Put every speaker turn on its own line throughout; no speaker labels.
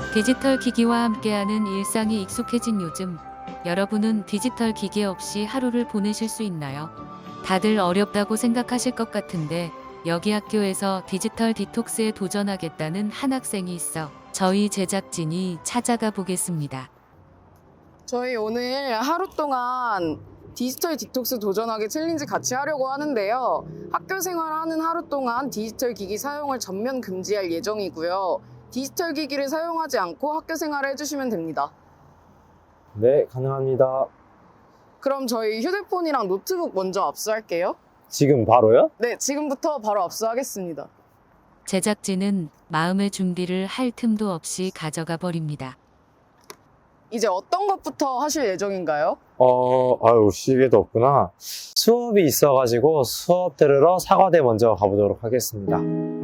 디지털 기기와 함께하는 일상이 익숙해진 요즘, 여러분은 디지털 기기 없이 하루를 보내실 수 있나요? 다들 어렵다고 생각하실 것 같은데, 여기 학교에서 디지털 디톡스에 도전하겠다는 한 학생이 있어 저희 제작진이 찾아가 보겠습니다.
저희 오늘 하루 동안 디지털 디톡스 도전하기 챌린지 같이 하려고 하는데요. 학교 생활하는 하루 동안 디지털 기기 사용을 전면 금지할 예정이고요. 디지털 기기를 사용하지 않고 학교 생활을 해주시면 됩니다.
네, 가능합니다.
그럼 저희 휴대폰이랑 노트북 먼저 압수할게요.
지금 바로요?
네, 지금부터 바로 압수하겠습니다.
제작진은 마음의 준비를 할 틈도 없이 가져가 버립니다.
이제 어떤 것부터 하실 예정인가요?
아유, 시계도 없구나. 수업이 있어가지고 수업 들으러 사과대 먼저 가보도록 하겠습니다.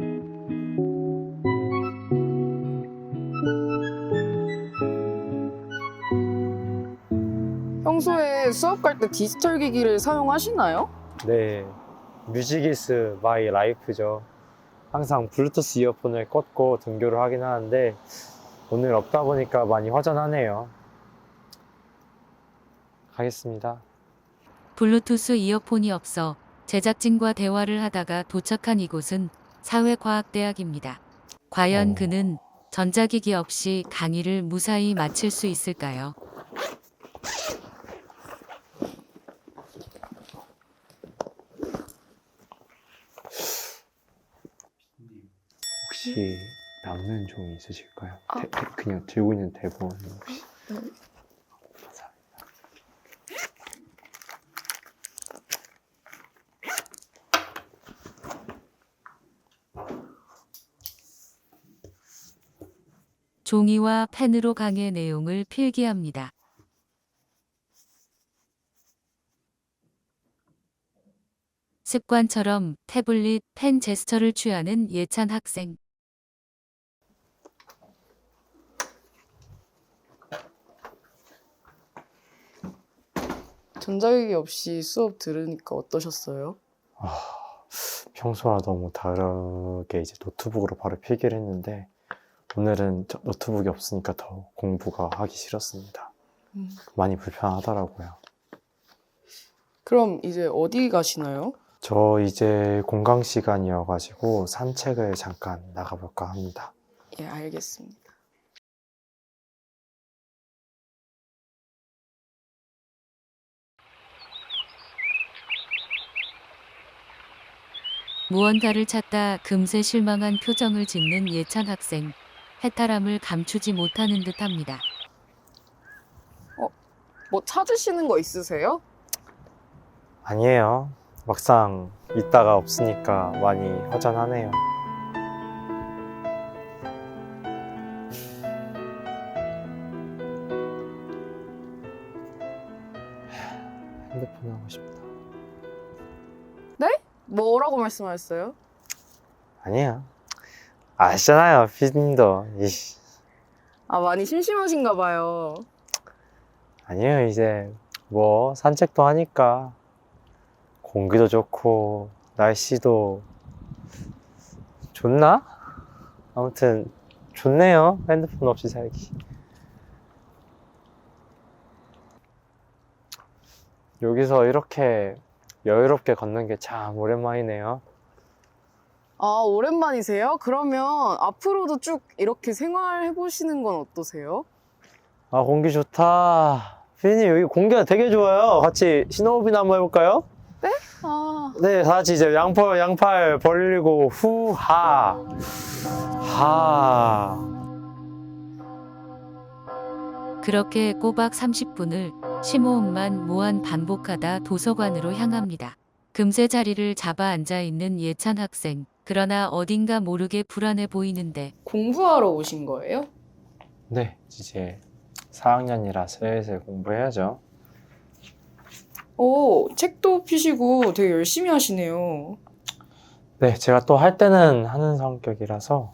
평소에 수업 갈 때 디지털 기기를 사용하시나요?
네, 뮤직이스 마이 라이프죠. 항상 블루투스 이어폰을 꽂고 등교를 하긴 하는데 오늘 없다 보니까 많이 허전하네요. 가겠습니다.
블루투스 이어폰이 없어 제작진과 대화를 하다가 도착한 이곳은 사회과학대학입니다. 과연 그는 전자기기 없이 강의를 무사히 마칠 수 있을까요?
혹시 남는 종이 있으실까요? 그냥 들고 있는 대본 혹시? 감사합니다.
종이와 펜으로 강의 내용을 필기합니다. 습관처럼 태블릿 펜 제스처를 취하는 예찬 학생.
전자기기 없이 수업 들으니까 어떠셨어요?
평소와 너무 다르게 이제 노트북으로 바로 필기를 했는데 오늘은 노트북이 없으니까 더 공부가 하기 싫었습니다. 많이 불편하더라고요.
그럼 이제 어디 가시나요?
저 이제 공강 시간이어가지고 산책을 잠깐 나가볼까 합니다.
예, 알겠습니다.
무언가를 찾다 금세 실망한 표정을 짓는 예찬 학생. 해탈함을 감추지 못하는 듯합니다.
뭐 찾으시는 거 있으세요?
아니에요. 막상 있다가 없으니까 많이 허전하네요. 핸드폰 하고 싶다.
뭐라고 말씀하셨어요?
아니에요. 아시잖아요, 피디님도. 이씨.
아, 많이 심심하신가 봐요.
아니에요, 이제 뭐 산책도 하니까 공기도 좋고 날씨도 좋나? 아무튼 좋네요, 핸드폰 없이 살기. 여기서 이렇게 여유롭게 걷는 게 참 오랜만이네요.
아, 오랜만이세요? 그러면 앞으로도 쭉 이렇게 생활해 보시는 건 어떠세요?
아, 공기 좋다. 피디님, 여기 공기가 되게 좋아요. 같이 신호흡이나 한번 해볼까요?
아,
네, 다 같이 이제 양팔 벌리고 후하 하.
그렇게 꼬박 30분을 심호흡만 무한 반복하다 도서관으로 향합니다. 금세 자리를 잡아 앉아 있는 예찬 학생. 그러나 어딘가 모르게 불안해 보이는데
공부하러 오신 거예요?
네, 이제 4학년이라 슬슬 공부해야죠.
오, 책도 피시고 되게 열심히 하시네요.
네, 제가 또 할 때는 하는 성격이라서.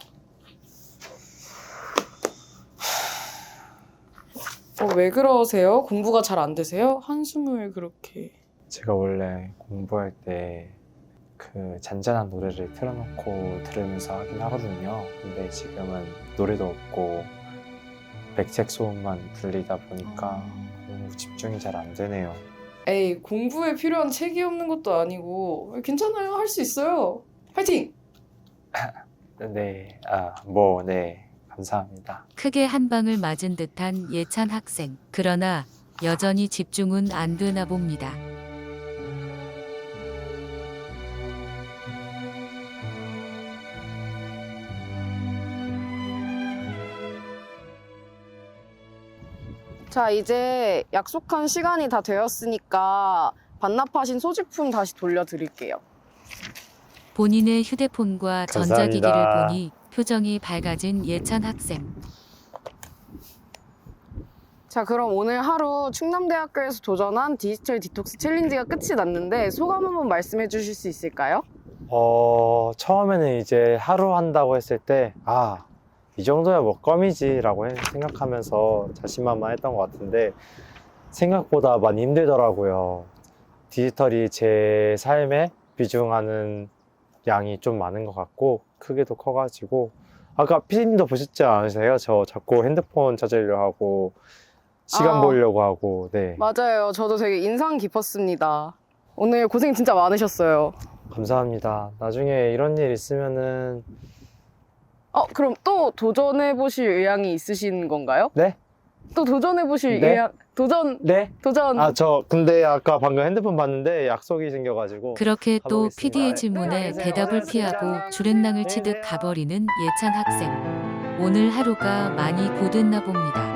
왜 그러세요? 공부가 잘 안 되세요? 한숨을 그렇게.
제가 원래 공부할 때 그 잔잔한 노래를 틀어놓고 들으면서 하긴 하거든요. 근데 지금은 노래도 없고 백색 소음만 들리다 보니까 공부 집중이 잘 안 되네요.
에이, 공부에 필요한 책이 없는 것도 아니고 괜찮아요. 할 수 있어요. 파이팅!
네, 네, 감사합니다.
크게 한 방을 맞은 듯한 예찬 학생. 그러나 여전히 집중은 안 되나 봅니다.
자, 이제 약속한 시간이 다 되었으니까 반납하신 소지품 다시 돌려드릴게요.
본인의 휴대폰과
감사합니다.
전자기기를 보니 표정이 밝아진 예찬 학생.
자, 그럼 오늘 하루 충남대학교에서 도전한 디지털 디톡스 챌린지가 끝이 났는데 소감 한번 말씀해 주실 수 있을까요?
처음에는 이제 하루 한다고 했을 때, 이 정도야 뭐 껌이지라고 생각하면서 자신만만했던 것 같은데 생각보다 많이 힘들더라고요. 디지털이 제 삶에 비중하는 양이 좀 많은 것 같고 크기도 커가지고 아까 피디님도 보셨지 않으세요? 저 자꾸 핸드폰 찾으려 하고 시간 보려고 하고. 네,
맞아요. 저도 되게 인상 깊었습니다. 오늘 고생 진짜 많으셨어요.
감사합니다. 나중에 이런 일 있으면은
그럼 또 도전해 보실 의향이 있으신 건가요?
네?
또 도전해 보실
네?
의향? 도전.
네?
도전.
근데 아까 방금 핸드폰 봤는데 약속이 생겨가지고
그렇게 또
가보겠습니다.
PD의 질문에
네,
대답을
네,
피하고 주랭랑을 치듯 가버리는 예찬 학생. 오늘 하루가 많이 고됐나 봅니다.